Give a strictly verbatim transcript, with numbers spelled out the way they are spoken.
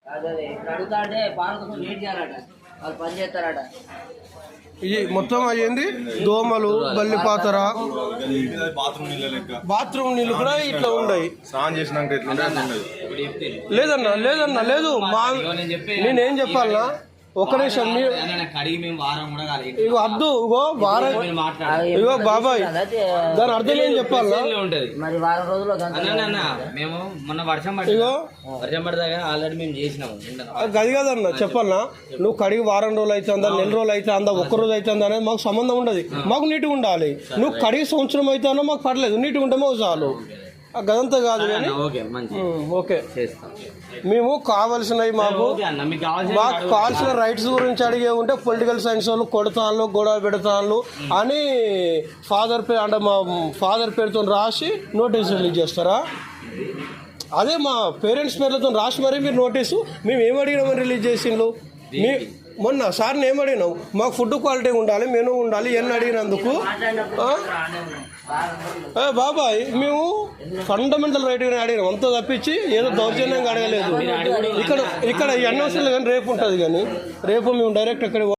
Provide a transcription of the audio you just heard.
ఇది మొత్తం అయ్యింది. దోమలు, బల్లిపాతర, బాత్రూమ్ నీళ్ళు కూడా ఇట్లా ఉన్నాయి. స్నానం చేసినాక లేదన్నా లేదన్నా లేదు మా నేనేం చెప్పాలన్నా ఒక్క నిమిషం. ఇగో అద్దు ఇగో వారం ఇగో బాబాయ్ దాని అర్థం ఏం చెప్పాలన్నా మేము మొన్న వర్షం ఇగో వర్షం పడదాగా ఆల్రెడీ మేము చేసినాము. అది కాదన్నా చెప్పాలన్నా నువ్వు కడిగి వారం రోజులు అవుతుందా, నెల రోజులు అవుతుందా, ఒక్క రోజు అవుతుందా అనేది మాకు సంబంధం ఉండదు. మాకు నీట్గా ఉండాలి. నువ్వు కడిగి సంవత్సరం అవుతానో మాకు పర్లేదు, నీట్గా ఉంటే మాకు చాలు. గదంతా కాదు కానీ ఓకే మేము కావాల్సినవి మాకు మాకు కావాల్సిన రైట్స్ గురించి అడిగే ఉంటే పొలిటికల్ సైన్స్ వాళ్ళు కొడతాను గొడవ పెడతాను అని ఫాదర్ పేరు అంటే మా ఫాదర్ పేరుతో రాసి నోటీస్ రిలీజ్ చేస్తారా? అదే మా పేరెంట్స్ పేర్లతో రాసి మరీ మీరు నోటీసు మేము ఏం అడిగినామని రిలీజ్ చేసిండ్రు. మీ మొన్న సార్ని ఏం అడిగినాం, మాకు ఫుడ్ క్వాలిటీ ఉండాలి, మెనూ ఉండాలి ఎన్ని అడిగినందుకు బాబాయ్ మేము ఫండమెంటల్ రైట్గానే అడిగినాం. అంతా తప్పించి ఏదో దౌర్జన్యంగా అడగలేదు. ఇక్కడ ఇక్కడ ఎన్నో కానీ రేపు ఉంటుంది కానీ రేపు మేము డైరెక్ట్ అక్కడ